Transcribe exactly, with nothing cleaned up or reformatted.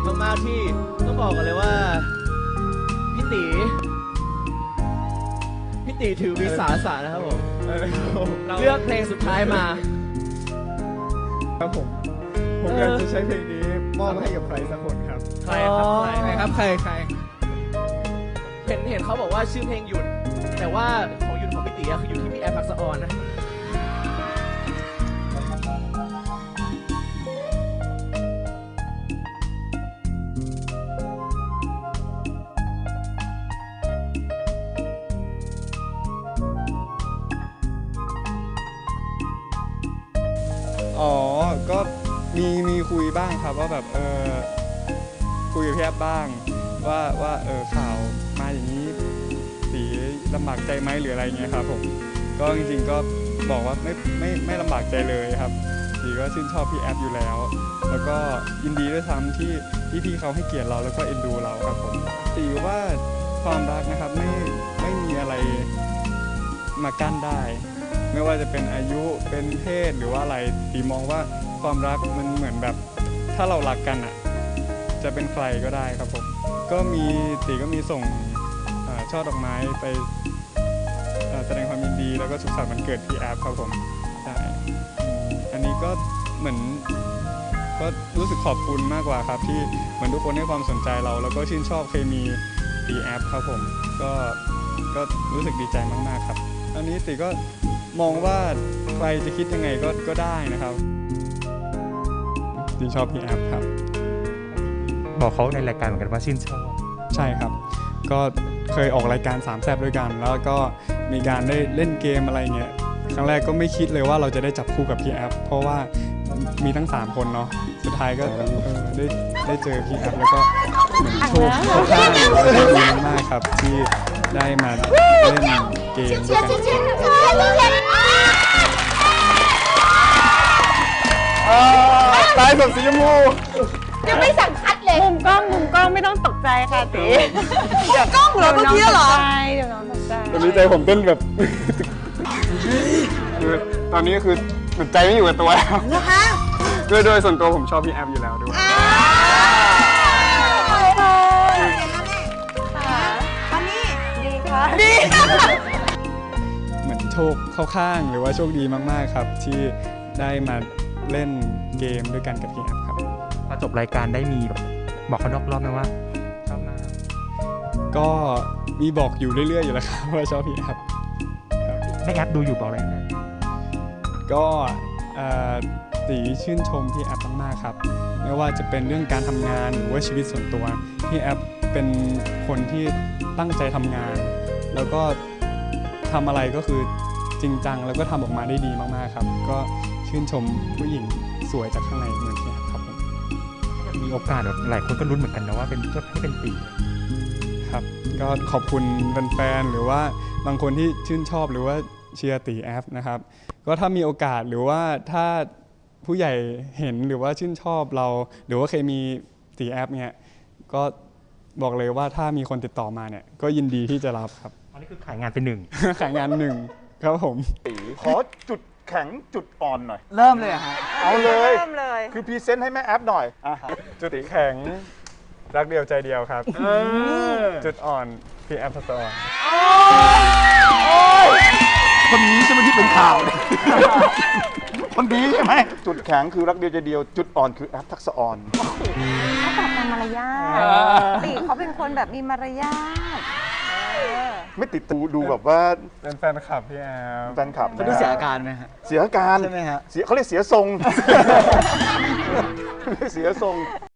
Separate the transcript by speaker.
Speaker 1: ษมากๆที่ต้องบอกกันเลยว่าพี่ตีพี่ตีถือวิสาสะนะครับผมเลือกเพลงสุดท้ายมา
Speaker 2: ครับผมผมอยากจะใช้เพลงนี้มอบให้กับใครสักคนครับ
Speaker 1: ใครครับใคร
Speaker 2: ใครครับใครใคร
Speaker 1: เห็นเห็นเขาบอกว่าชื่อเพลงหยุดแต่ว่าของหยุดของพี่ตีคืออยู่ที่พี่แอฟทักษะออนนะ
Speaker 2: อ๋อก็มีมีคุยบ้างครับว่าแบบเออคุยกับพี่แอฟบ้างว่าว่าเออข่าวมาอย่างนี้ตีลำบากใจไหมหรืออะไรเงี้ยครับผมก็จริงๆก็บอกว่าไม่ไม่ไม่ลำบากใจเลยครับตีก็ชื่นชอบพี่แอฟอยู่แล้วแล้วก็ยินดีด้วยซ้ำที่ที่พี่เขาให้เกียรติเราแล้วก็เอ็นดูเราครับผมตีว่าความรักนะครับไม่ไม่มีอะไรมากั้นได้ไม่ว่าจะเป็นอายุเป็นเพศหรือว่าอะไรตีมองว่าความรักมันเหมือนแบบถ้าเรารักกันอ่ะจะเป็นใครก็ได้ครับผมก็มีตีก็มีส่งช่อดอกไม้ไปแสดงความยินดีแล้วก็สุขสันต์วันเกิดพี่แอฟครับผมใช่อันนี้ก็เหมือนก็รู้สึกขอบคุณมากกว่าครับที่เหมือนทุกคนให้ความสนใจเราแล้วก็ชื่นชอบเคมีพี่แอฟครับผมก็ก็รู้สึกดีใจมากๆครับอันนี้ตีก็มองว่าใครจะคิดยังไงก็ก็ได้นะครับตีชอบพี่แอฟครับ
Speaker 3: บอกเขาในรายการเหมือนกันว่าชื่นชอบ
Speaker 2: ใช่ครับก็เคยออกรายการสามแซ่บด้วยกันแล้วก็มีการได้เล่นเกมอะไรเงี้ยครั้งแรกก็ไม่คิดเลยว่าเราจะได้จับคู่กับพี่แอฟเพราะว่ามีทั้งสามคนเนาะสุดท้ายก็ได้ได้เจอพี่แอฟแล้วก็เหมือนโชคเข้าข้างแล้วก็ดีมากครับที่ได้มาเล่นเกมด้วยกันตายสดสีชมพู
Speaker 4: ยังไม่สั่งคัดเลย
Speaker 5: มุมกล้องมุมกล้องไม่ต้องตกใจค่ะตี
Speaker 4: มุมกล้องเหรอเมื่อกี้เหรอ
Speaker 5: เดี๋ยวน้องตกใจ
Speaker 2: ตอนนี้ใจผมเต้นแบบตอนนี้คือใจไม่อยู่กับตัวแล้วนะคะโดยโดยส่วนตัวผมชอบพี่แอฟอยู่แล้วด้วย
Speaker 4: วันนี้
Speaker 5: ดีค่ะ
Speaker 4: ดี
Speaker 2: เหมือนโชคเข้าข้างหรือว่าโชคดีมากๆครับที่ได้มาเล่นเกมด้วยกันกับพี่แอฟครับ
Speaker 3: พอจบรายการได้มีแบบบอกเขานอกรอบไหมว่าชอบมาก
Speaker 2: ก็มีบอกอยู่เรื่อยๆอยู่แล้วครับว่าชอบพี่แอฟ
Speaker 3: ไม่แอปดูอยู่บอกเลยนะ
Speaker 2: ก็ตีชื่นชมพี่แอฟมากๆครับไม่ว่าจะเป็นเรื่องการทำงานหรือว่าชีวิตส่วนตัวพี่แอฟเป็นคนที่ตั้งใจทำงานแล้วก็ทำอะไรก็คือจริงจังแล้วก็ทำออกมาได้ดีมากๆครับก็ชื่นชมผู้หญิงสวยจากข้างในเหมือนพี่แอฟครับผม
Speaker 3: มีโอกาสแบบหลายคนก็ลุ้นเหมือนกันนะว่าเป็นจะให้เป็นตี
Speaker 2: ครับก็ขอบคุณแฟนๆหรือว่าบางคนที่ชื่นชอบหรือว่าเชียร์ตีแอฟนะครับก็ถ้ามีโอกาสหรือว่าถ้าผู้ใหญ่เห็นหรือว่าชื่นชอบเราหรือว่าเคยมีตีแอฟเนี่ยก็บอกเลยว่าถ้ามีคนติดต่อมาเนี่ยก็ยินดีที่จะรับครับ
Speaker 3: อันนี้คือขายงานเป็นหนึ่ง
Speaker 2: ขายงานหนึ่งครับผม
Speaker 6: ขอจุดแข็งจุดอ่อนหน่อย
Speaker 1: เริ่มเลยฮะ
Speaker 6: เอาเลย
Speaker 5: เริ่มเลย
Speaker 6: คือพรีเซนต์ให้แม่แอฟหน่อย
Speaker 2: จุดแข็งรักเดียวใจเดียวครับจุดอ่อนพี่แอฟทักษะออน
Speaker 6: คนนี้ใช่ไหมที่เป็นข่าวคนนี้ใช่ไหมจุดแข็งคือรักเดียวใจเดียวจุดอ่อนคือแอฟทักษะออน
Speaker 5: เขาตอบตามมารยาทตีเขาเป็นคนแบบมีมารยาท
Speaker 6: ไม่ติดตูดูแบบว่า
Speaker 2: เป็นแฟนคลับพี่แอฟ
Speaker 6: แฟนคลับ
Speaker 1: เขาดูเสียอาการไหมฮะ
Speaker 6: เสียอาการ
Speaker 1: ใช่ไหมฮะ
Speaker 6: เสียเขาเรียกเสียทรงเสียทรง